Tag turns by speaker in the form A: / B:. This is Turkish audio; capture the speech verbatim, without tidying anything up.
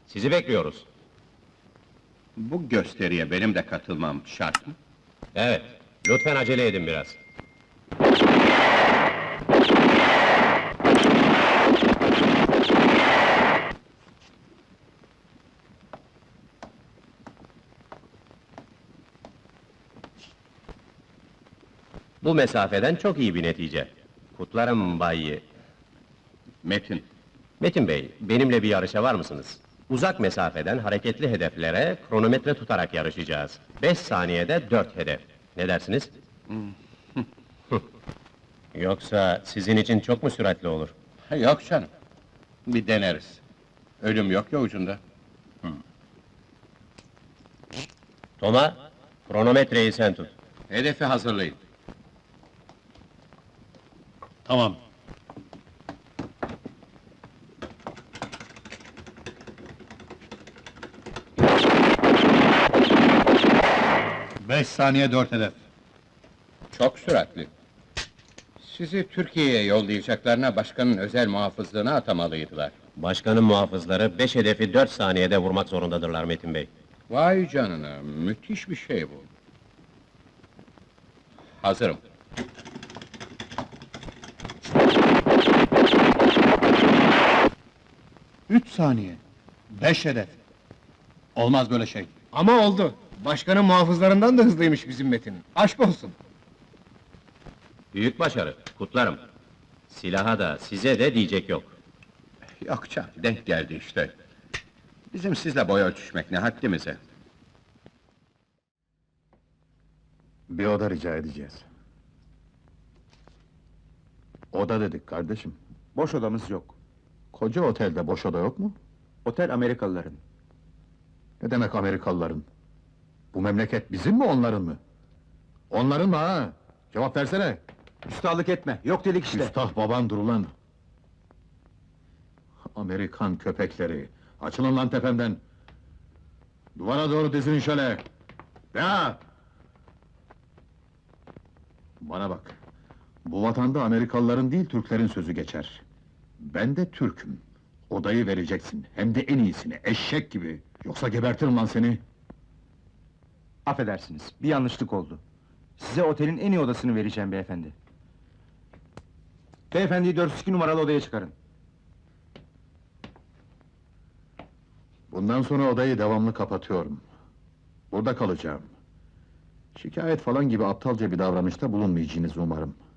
A: Sizi bekliyoruz.
B: Bu gösteriye benim de katılmam şart mı?
A: Evet, lütfen acele edin biraz. Bu mesafeden çok iyi bir netice. Kutlarım Bay...
B: Metin,
A: Metin Bey, benimle bir yarışa var mısınız? Uzak mesafeden hareketli hedeflere kronometre tutarak yarışacağız. Beş saniyede dört hedef. Ne dersiniz? Yoksa sizin için çok mu süratli olur?
B: yok canım. Bir deneriz. Ölüm yok ya ucunda.
A: Toma, kronometreyi sen tut.
B: Hedefi hazırlayın.
C: Tamam. Beş saniye dört hedef.
B: Çok süratli. Sizi Türkiye'ye yollayacaklarına başkanın özel muhafızlığına atamalıydılar.
A: Başkanın muhafızları beş hedefi dört saniyede vurmak zorundadırlar Metin Bey.
B: Vay canına, müthiş bir şey bu. Hazırım.
C: Üç saniye. Beş hedef. Olmaz böyle şey.
D: Ama oldu. Başkanın muhafızlarından da hızlıymış bizim Metin. Aşk olsun.
A: Büyük başarı, kutlarım. Silaha da, size de diyecek yok.
B: Yok canım, denk geldi işte. Bizim sizle boy ölçüşmek ne haddimize.
E: Bir oda rica edeceğiz. Oda dedik kardeşim.
F: Boş odamız yok.
E: Koca otelde boş oda yok mu?
F: Otel Amerikalıların.
E: Ne demek Amerikalıların? Bu memleket bizim mi onların mı? Onların mı ha? Cevap versene!
F: Üstahlık etme, yok dedik işte.
E: Üstah baban dur ulan! Amerikan köpekleri! Açılın lan tepemden! Duvara doğru dizinin şöyle! Ya! Bana bak! Bu vatanda Amerikalıların değil, Türklerin sözü geçer. Ben de Türk'üm. Odayı vereceksin, hem de en iyisini, eşek gibi! Yoksa gebertirim lan seni!
F: Affedersiniz, bir yanlışlık oldu. Size otelin en iyi odasını vereceğim beyefendi. Beyefendiyi dört yüz iki numaralı odaya çıkarın.
E: Bundan sonra odayı devamlı kapatıyorum. Burada kalacağım. Şikayet falan gibi aptalca bir davranışta bulunmayacağınızı umarım.